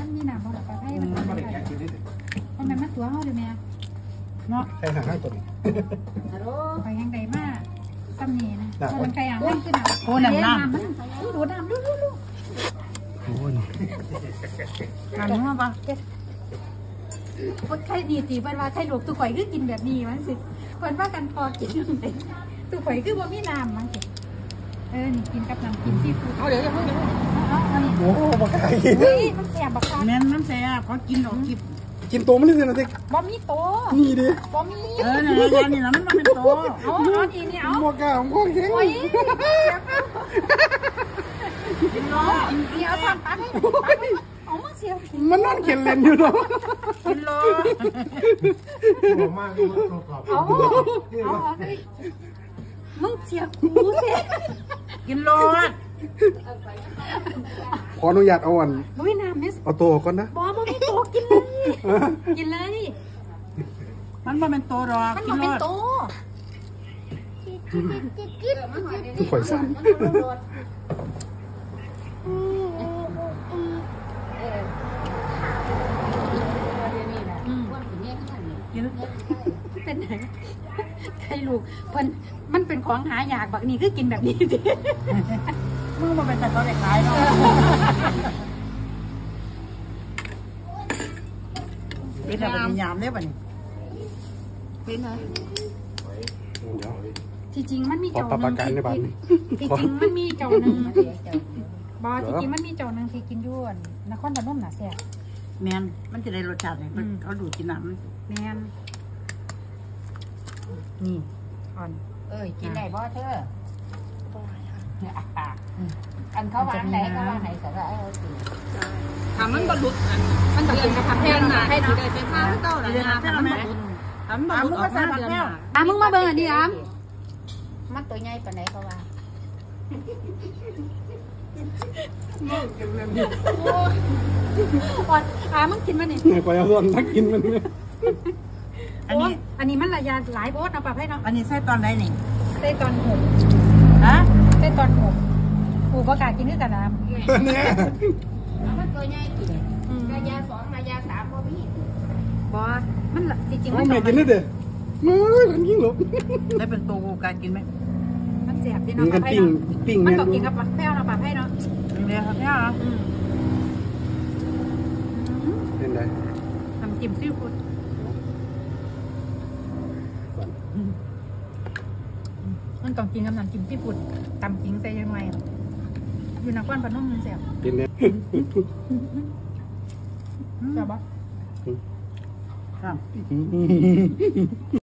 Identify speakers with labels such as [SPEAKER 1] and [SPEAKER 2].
[SPEAKER 1] มีน้ำบ่ล่ะปลาไทยมันบ่ได้แกะกินได้มันมาตัวเฮาดิแม่เนาะ
[SPEAKER 2] ใครหาให้ตัวนี้
[SPEAKER 1] ฮัลโหลไปยังไดมาซ้ำนี่นะมันใครอ่างมันคือน้ำ
[SPEAKER 3] โอ้น้ำ
[SPEAKER 1] มันดูน้ำดู
[SPEAKER 2] โอ้ย
[SPEAKER 3] น้ำมาปะ
[SPEAKER 1] คนใครดีตีเพิ่นว่าใครลูกตุข่อยคือกินแบบนี้มันสิเพิ่นว่ากันพอกินตุข่อยคือบ่มีน้ำมันสินี่กินกับน้ำกินซีฟู้ด
[SPEAKER 3] เดี๋ยวอย่าเพิ่ง
[SPEAKER 1] อันนี้
[SPEAKER 2] โอ้บักไก่กิน
[SPEAKER 1] มันแสบบักคัก
[SPEAKER 3] แม่มันแสบเขากินดอกกิบ
[SPEAKER 2] กินตัวมันนี่เลยนะเด็ก
[SPEAKER 1] บ่มีโต
[SPEAKER 2] มีดิ
[SPEAKER 1] บ่มี
[SPEAKER 3] นี่นะมันเป็นโต
[SPEAKER 1] เอาดีนี่เอา
[SPEAKER 2] บักไก่ผมก็เก่ง
[SPEAKER 1] โอ้ยกินล้อเดี๋ยวทำปักให้เอามาเสีย
[SPEAKER 2] มันนอนเขียนเล่นอยู่เนาะ
[SPEAKER 3] กินล้อ
[SPEAKER 2] มาก
[SPEAKER 1] เอามึงเสียกูเสีย
[SPEAKER 3] กินล้อ
[SPEAKER 2] ขออนุญาตเอาอัน
[SPEAKER 1] ไม่น้ำเนี่ย
[SPEAKER 2] เอาตัวก่อนนะ
[SPEAKER 1] บอไม่โตกินเลยกินเลย
[SPEAKER 3] มันบ่เป็นโตหรอก
[SPEAKER 1] มันเป็นโต
[SPEAKER 2] คือข่อยสั้น
[SPEAKER 1] กินเป็นไงใครลูกเพิ่นมันเป็นของหายากบักนี่คือกินแบบนี้ดิ
[SPEAKER 3] มึงมาเป็นแต่ตัวเด็กขายเนาะเป็นอะไรยามได้ป่ะนี่
[SPEAKER 1] เป็นไงที่จริงมันมีเจ้าหนึ่งที่จริงมันมีเจ้าหนึ่งบอที่จริงมันมีเจ้าหนึ่งที่กินย้วนนครพนมน่ะแซ่บ
[SPEAKER 3] แมนมันจะได้รสชาติเนี่ยเขาดูกินน้ำ
[SPEAKER 1] แมนนี่อ่อน
[SPEAKER 4] กินได้บ่เธออันเขาวางไหนก็วางไหนแต่ละ
[SPEAKER 3] ถามมันบรรลุ
[SPEAKER 1] มันต้องกินกับผักแห้งนะให้
[SPEAKER 4] ได้เป็นข้าวเต้าหรือทำมัน
[SPEAKER 3] ถามมึงก็ใส่ผักแห้ง
[SPEAKER 1] มึงมาเบิ่งอันนี้
[SPEAKER 4] มันตัวใหญ่ปานไหนก็ว่า
[SPEAKER 1] มึงกินมันนี่
[SPEAKER 2] ไปเอาส่วนนักกินมัน
[SPEAKER 1] อันนี้มันระยะหลายโบสเอาปรับให้เนาะ
[SPEAKER 3] อันนี้ใส่ตอนไหนนี่
[SPEAKER 1] ใส่ตอน6
[SPEAKER 3] ฮะ
[SPEAKER 1] ใส่ตอน6กูประกาศกินด้วยกันนะ
[SPEAKER 2] เนี่ย
[SPEAKER 4] มันตัวใหญ่กินระยะ2ระยะ3บ่มี
[SPEAKER 1] บอมันจริงๆ
[SPEAKER 2] มันไม่กินได้เด้อไม่มันยิ่งหลบ
[SPEAKER 3] ได้เป็นตัวกูการกินไหม
[SPEAKER 1] มันเสียบดีเนาะปรับให้เนาะมันต้องกินกับแป้วเราปรับให้เนาะ
[SPEAKER 3] เดี๋ยวครับแป้วเนาะ
[SPEAKER 2] เป็นไร
[SPEAKER 1] ทำจิ้มซีฟู้ดมันต้องกินกับน้ำจิ้มซีฟู้ดตำจริงใส่ยังไงอยู่นครพนมมันเสียบ
[SPEAKER 2] เป็นไง
[SPEAKER 1] เสียบปะ
[SPEAKER 3] ครับ